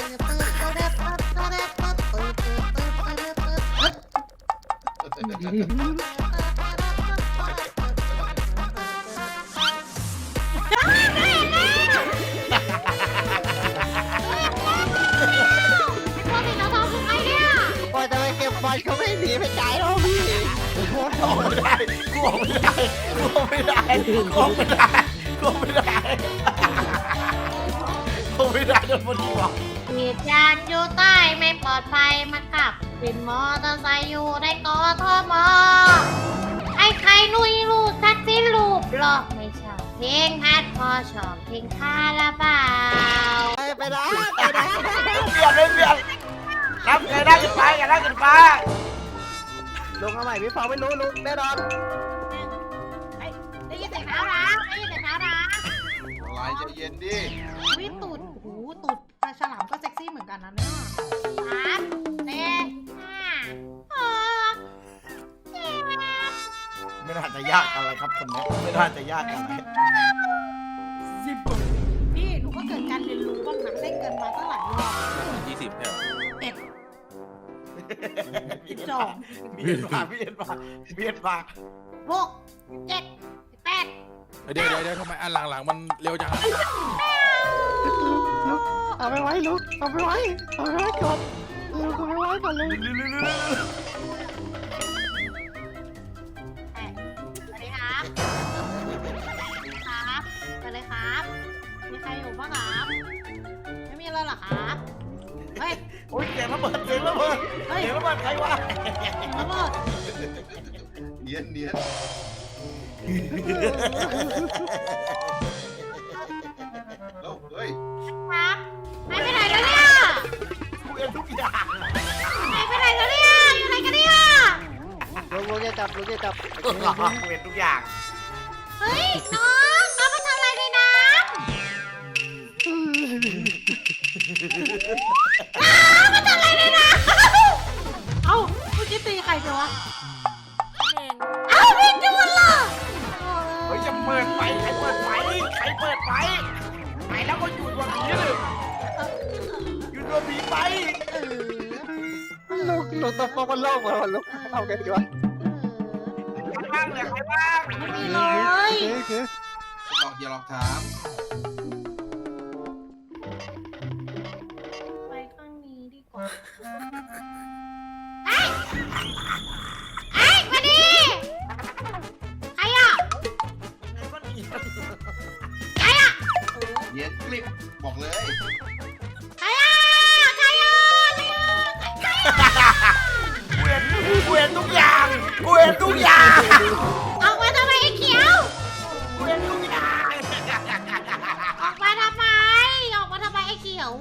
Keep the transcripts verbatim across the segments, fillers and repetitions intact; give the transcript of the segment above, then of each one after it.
โอ้ยทำไมเก็บบอลเขาไม่หนีไปไกลแล้วพี่ออกไม่ได้กูออกไม่ได้กูออกไม่ได้กูออกไม่ได้กูออกไม่ได้กูไม่ได้โดนบอลยิงหรอกเหตุการณ์อยู่ใต้ไม่ปลอดภัยมาขับเป็นมอเตอร์ไซค์อยู่ในกทมไอ้ใครนุยลูกทักษิณรูปหรอกไม่ชอบเพลงฮัดพอชอบเพลงคาราบาวไปไปนะไปนะเปลี่ยนเลยเปลี่ยนนับไงได้กันไปกันได้กันไปลงเอาใหม่พี่ฟองไม่รู้ลุงแน่นอนได้ยินเสียงเท้าร้าได้ยินเสียงเท้าร้าอะไรใจเย็นดิวิตูดหูตูดปลาฉลามก็เซ็กซี่เหมือนกันนะเนี่ยสามสี่ห้าหกเจ็ดไม่น่าจะยากอะไรครับคนนี้ไม่น่าจะยากอะไรสิบพี่หนูก็เกิดการเรียนรู้บ้างนะได้เกินมาตั้งหลายรอบยี่สิบเนี่ยเอ็ดสิบสองเบียดมาเบียดมาเบียดมาหกเจ็ดแปดเดี๋ยวเดี๋ยวเดี๋ยวทำไมอันหลังๆมันเร็วจังลุกเอาไปไว้ลุกเอาไปไว้เอาไปไว้ก่อนลุกเอาไปไว้ก่อนเลยสวัสดีครับครับไปเลยครับมีใครอยู่บ้างครับไม่มีแล้วเหรอครับเฮ้ยโอ้ยเสียงระเบิดเสียงระเบิดเฮ้ยเสียงระเบิดใครวะระเบิดเนียนเนียน แล้วเฮ้ยครับหายไปไหนแล้วเนี่ยกูเอ็นทุกอย่างหายไปไหนแล้วเนี่ยอยู่ไหนกันเนี่ยลุงลุงจะจับลุงจะจับกูเอ็นทุกอย่างเฮ้ยน้องน้องมาทำอะไรในน้ำน้องมาทำอะไรในน้ำเอ้าเมื่อกี้ตีใครไปวะเอ้าพี่จูนเหรอเฮ้ยจะเปิดไฟใครเปิดไฟใครเปิดไฟไปแล้วก็อยู่ตัวผีเลยอยู่ตัวผีไปเออลุงลุงตัวฟองมันโล่งมาลุงเอาไงดีวะใครบ้างเนี่ยใครบ้างไม่มีเลยโอเคหลอกอย่าหลอกถามไปข้างนี้ดีกว่าเฮ้ยเฮ้ยมาดิใครอ่ะใครอ่ะเนียนกลิบบอกเลยใครอ่ะใครอ่ะใครอ่ะใครอ่ะกูเห็นกูเห็นทุกอย่างกูเห็นทุกอย่างออกมาทำไมไอ้เขียวกูเห็นทุกอย่างออกมาทำไมออกมาทำไมไอ้เขียว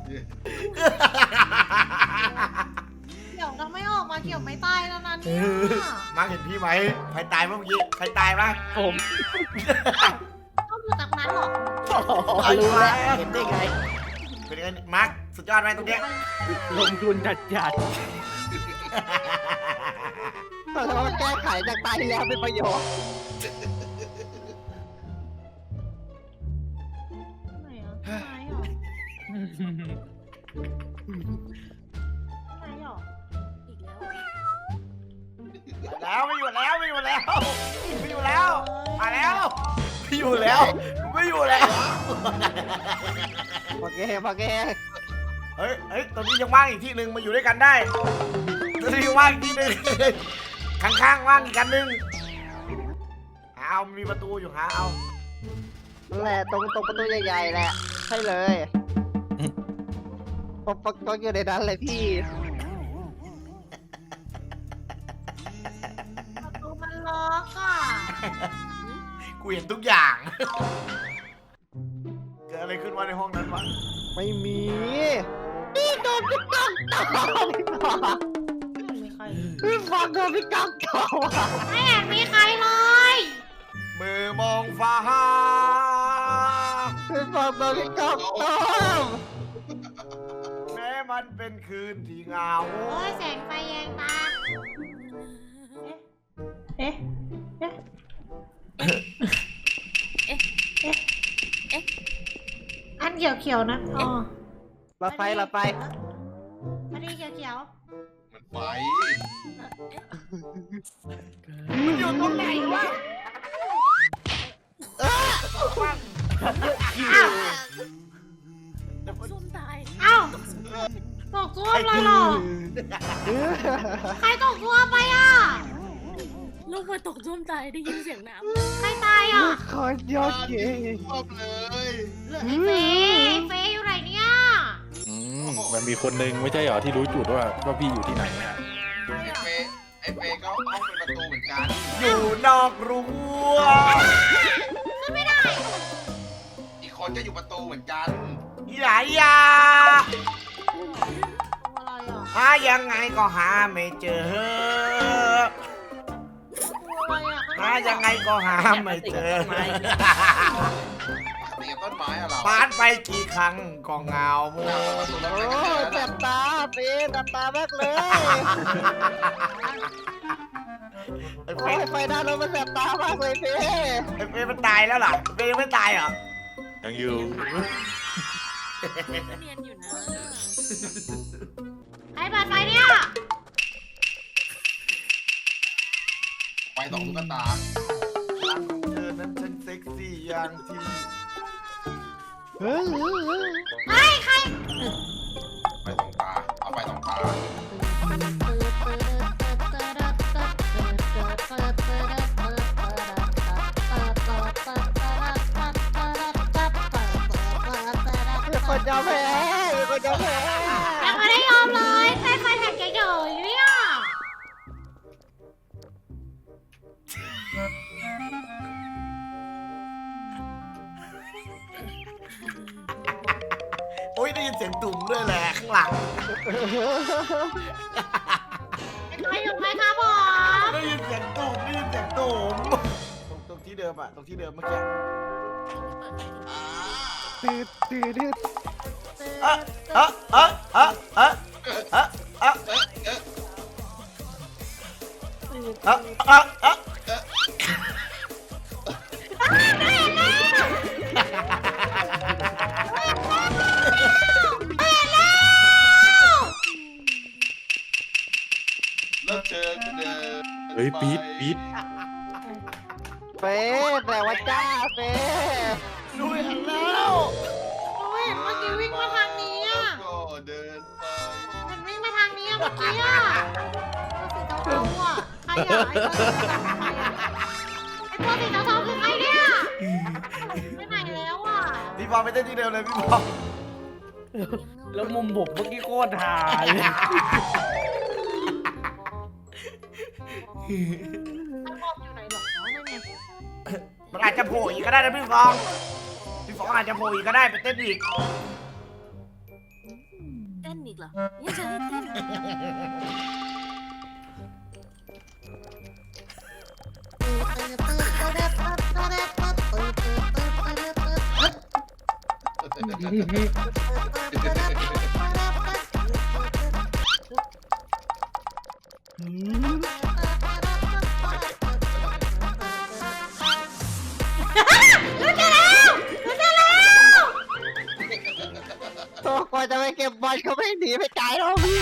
เขียวทำไมออกมาเขียวไม่ตายแล้วนะเนี่ยมาเห็นพี่ไหมใครตายเมื่อกี้ใครตายบ้างผมต้องอยู่ตรงนั้นหรอรู้แล้วเห็นได้ไงเป็นไงมาร์คสุดยอดไหมตรงเนี้ยลงทุนจัดจัดแต่ว่าแก้ไขจากตายแล้วเป็นประโยชน์ไหนอ่ะไหนอ่ะไหนอ่ะแล้วไม่อยู่แล้วไม่อยู่แล้วไม่อยู่แล้วมาแล้วไม่อยู่แล้วไม่อยู่แล้วโอเคโอเคเฮ้ยเฮ้ยตอนนี้ยังว่างอีกที่หนึ่งมาอยู่ด้วยกันได้ตอนนี้ยังว่างอีกที่หนึ่งข้างๆว่างอีกกันหนึ่งหาเอามีประตูอยู่หาเอานั่นแหละตรงตรงประตูใหญ่ๆแหละใช่เลยผมปักตรงอยู่ในนั้นเลยพี่ประตูมันล็อกอ่ะกูเห็นทุกอย่างเกิดอะไรขึ้นวะในห้องนั้นวะไม่มีพี่โดนพี่กังต่อไม่มีใครพี่ฟังโดนพี่กังต่อไม่เห็นมีใครเลยมือมองฟ้าพี่ฟังโดนพี่กังต่อแม้มันเป็นคืนที่เหงาโอ้ยแสงไฟแยงตาเอ๊ะเอ๊ะอันเขียวๆนะอ๋อหลอดไฟหลอดไฟพอดีเขียวมันไฟมันอยู่ตรงไหนวะๆอ้าวซุ่มตายอ้าวตกซ่วมเลยเหรอใครตกซ่วมไปอ่ะลูกมาตกซุ่มตายได้ยินเสียงน้ใครตายอ่ะคอยยอดเก่งชอบเลยเหลือไอ้เฟย์เฟย์อยู่ไหนเนี่ยอืมมันมีคนนึงไม่ใช่เหรอที่รู้จุดว่าว่าพี่อยู่ที่ไหนอะไอ้เฟย์ไอ้เฟย์ก็ห้องเป็นประตูเหมือนกันอยู่นอกรั้วขึ้นไม่ได้อีกคนก็อยู่ประตูเหมือนกันอีหลายยาอะไรอ่ะหายังไงก็หาไม่เจออะไรอ่ะหายังไงก็หาไม่เจอตีกับต้นไม้อะเราปานไปกี่ครั้งก็เหงาโมโอ้ยแสบตาเป๊ะแสบตามากเลยไอ้เฟโอ้ยย์ไฟด้านรถมันแสบตามากเลยเป๊ะไอ้เฟย์มันตายแล้วเหรอเฟย์ยังไม่ตายเหรอยังอยู่ำเนียนอยู่นะใครเปิดไฟเนี่ยไฟสองตุ๊กตาหลังของเธอนั้นฉันเซ็กซี่อย่างที่เฮ้ยเฮ้ยใครไฟสองตาเอาไฟสองตามีคนยอมแพ้มีคนยอมแพ้ยังไม่ได้ยอมเลยใครไฟแท็กเฉยๆเนี่ยโอ้ยได้ยินเสียงตุ่มด้วยแหละข้างหลังใครอยู่ไหมครับผมได้ยินเสียงตุ่มได้ยินเสียงตุ่มตรงตรงที่เดิมอะตรงที่เดิมเมื่อกี้ตืดตืดตืดเอะเอะเอะเอะเอะเอะเอะเอ๊ะเอ๊ะเอะเอะเอะเลิกเชิญเดินเฮ้ยปี๊ดปี๊ดเป๊ะแต่ว่าจ้าเป๊ะดูเห็นแล้วโอ้ยเมื่อกี้วิ่งมาทางนี้อ่ะก็เดินไปมันวิ่งมาทางนี้อ่ะเมื่อกี้อ่ะตัวสีเทาๆอ่ะใครอ่ะไอ้ตัวสีเทาๆใครอ่ะไอ้ตัวสีเทาๆคือใครเนี่ยไปไหนแล้วอ่ะพี่บอลไปเต้นที่เดิมเลยพี่บอลแล้วมุมบุกเมื่อกี้โคตรหายไอ้บอมอยู่ไหนหรอนั่นไงมันอาจจะโผล่อีกก็ได้นะพี่ฟองพี่ฟองอาจจะโผล่อีกก็ได้ไปเต้นอีกเต้นอีกเหรอยังจะให้เต้นอีกตัวกว่าจะไปเก็บบอลเขาไม่หนีไปไกลแล้วพี่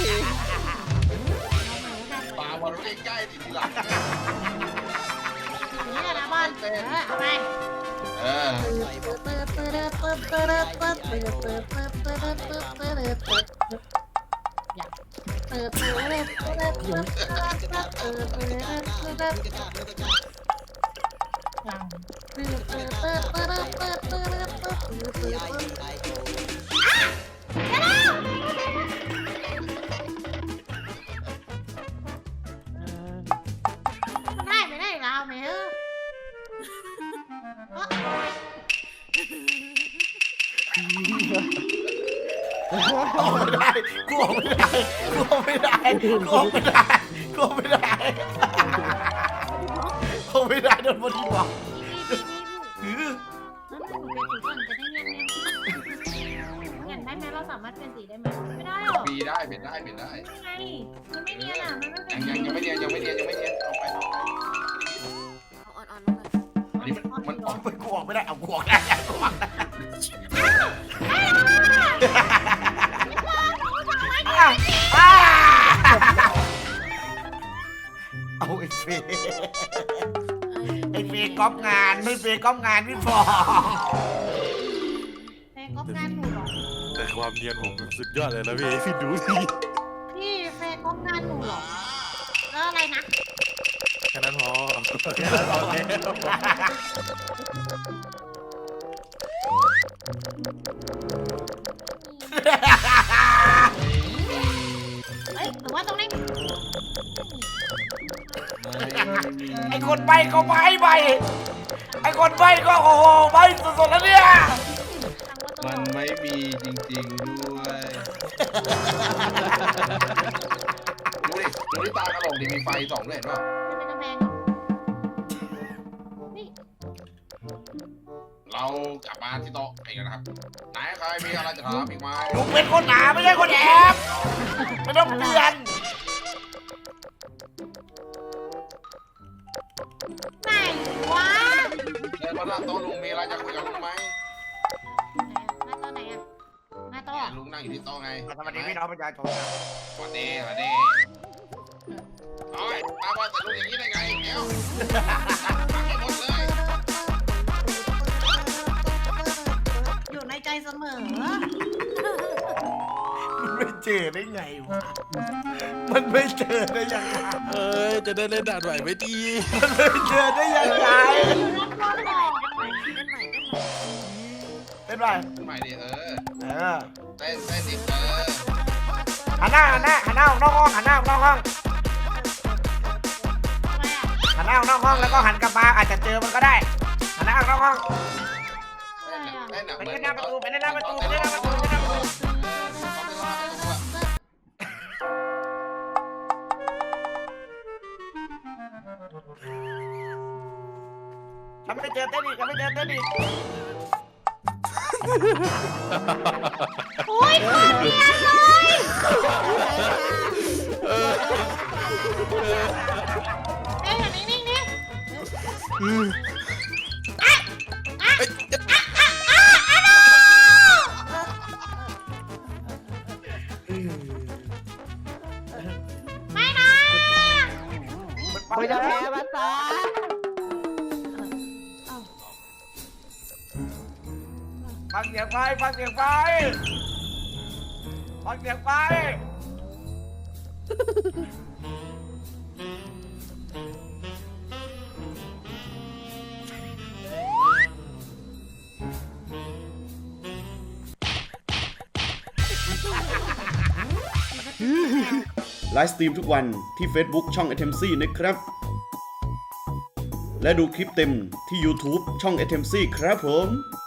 ปาบอลใกล้ๆดิทีหลังนี่นะบอลเออเอาไปเออได้ไม่ได้เราไหมเออออกไม่ได้กูออกไม่ได้กูออกไม่ได้กูออกไม่ได้กูออกไม่ได้ออกไม่ได้โดนบอดี้บอกหือแล้วหนูเป็นสีก่อนจะได้เงียบๆเห็นได้ไหมเราสามารถเป็นสีได้ไหมไม่ได้หรอมีได้เป็นได้เป็นได้ไงมันไม่เนียนอ่ะมันไม่เป็นยังยังยังไม่เนียนยังไม่เนียนยังไม่เนียนเอาไปเอาอ่อนๆลงมาอันนี้มันมันออกไปกูออกไม่ได้เอากูออกได้กูออกได้เฟย์ไอ้เฟย์ก๊อปงานไม่เฟย์ก๊อปงานพี่ฟองเฟย์ก๊อปงานหนูเหรอแต่ความเนียนผมสุดยอดเลยนะพี่พี่ดูสิพี่เฟย์ก๊อปงานหนูเหรอแล้วอะไรนะแค่นั้นพอเอ้ยหรือว่าตรงนี้ไอ้คนใบก็ใบใบไอ้คนใบก็โอ้โหใบสุดๆแล้วเนี่ยมันไม่มีจริงๆด้วยดูดิดูที่ตากระโหลกดิมีไฟสองด้วยเห็นป่ะเป็นกำแพงนี่เรากลับมาที่โต๊ะกันนะครับไหนใครมีอะไรจะถามอีกไหมลุงเป็นคนหนาไม่ใช่คนแอบไม่ต้องเตือนไหนวะเดินมาหน้าโต๊ะลุงมีอะไรจะคุยกับลุงไหมมาตัวไหนอะมาตัวเนี่ยลุงนั่งอยู่ที่โต๊ะไงสวัสดีพี่น้องประชาชนสวัสดีสวัสดีโอ้ยตาบอลแต่ลุงอย่างนี้ได้ไงเดี๋ยวฟังให้หมดเลยอยู่ในใจเสมอมันไม่เจอได้ไงวะมันไม่เจอได้ยังไงเอ้ยจะได้เล่นด่านไหวไหมดีมันไม่เจอได้ยังไงเล่นบอลหน่อยเต้นไปใหม่ดิเออเออเต้นเต้นดิเออหันหน้าหันหน้าหันหน้าออกนอกห้องหันหน้าออกนอกห้องอะไรอะหันหน้าออกนอกห้องแล้วก็หันกลับมาอาจจะเจอมันก็ได้หันหน้าออกนอกห้องเต้นอะไปเต้นอะเล่นหน้าประตูไปเล่นหน้าประตูไปเล่นหน้าประตูไปเล่นหน้าประตูทำไม่เจอเต้นอีกทำไม่เจอเต้นอีกโอ้ยขาดเรียนเลย เอ้ยอยู่นิ่งๆนี่อ่ะอ่ะอ่ะอ่ะอ่ะอ่ะโน่ไม่นะไม่จะแพ้มาตาฟังเสียงไฟฟังเสียงไฟฟังเสียงไฟไลฟ์สตรีมทุกวันที่ Facebook ช่อง เอ ที เอ็ม ซี นะครับ และดูคลิปเต็มที่ YouTube ช่อง เอ ที เอ็ม ซี ครับผม